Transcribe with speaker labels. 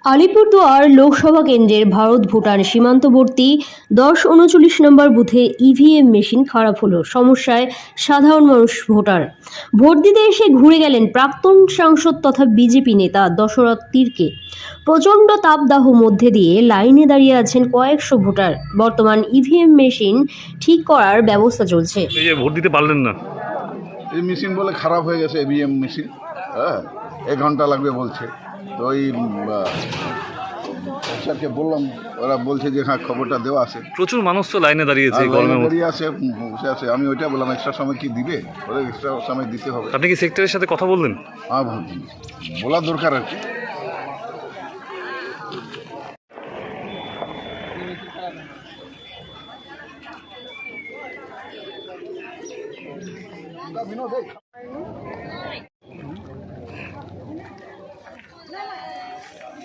Speaker 1: আলিপুরদুয়ার লোকসভা কেন্দ্রের ভারত ভুটান সীমান্তবর্তী 10-39 নম্বর বুথে ইভিএম মেশিন খারাপ হলো। সমস্যায় সাধারণ মানুষ। ভোট দিতে এসে ঘুরে গেলেন প্রাক্তন সাংসদ তথা বিজেপি নেতা দশরথ তির্কে। প্রচণ্ড তাপদাহ মধ্যে দিয়ে লাইনে দাঁড়িয়ে আছেন কয়েকশো ভোটার। বর্তমান ইভিএম মেশিন ঠিক করার ব্যবস্থা চলছে।
Speaker 2: এই যে ভোট দিতে পারলেন না,
Speaker 3: এই মেশিন বলে খারাপ হয়ে গেছে, ইভিএম মেশিন। হ্যাঁ, 1 ঘন্টা লাগবে বলছে। তো ওই স্যারকে বললাম, ওরা বলছে যে হ্যাঁ খবরটা দেওয়া আছে।
Speaker 2: প্রচুর মানুষ তো লাইনে দাঁড়িয়েছে এই গরমের মধ্যে।
Speaker 3: দাঁড়িয়ে আছে, বসে আছে। আমি ওইটা বললাম এক্সট্রা সময় কি দিবে, ওরা এক্সট্রা সময় দিতে হবে।
Speaker 2: আপনি কি সেক্টরের সাথে কথা বললেন?
Speaker 3: হ্যাঁ, বলা দরকার আর কি।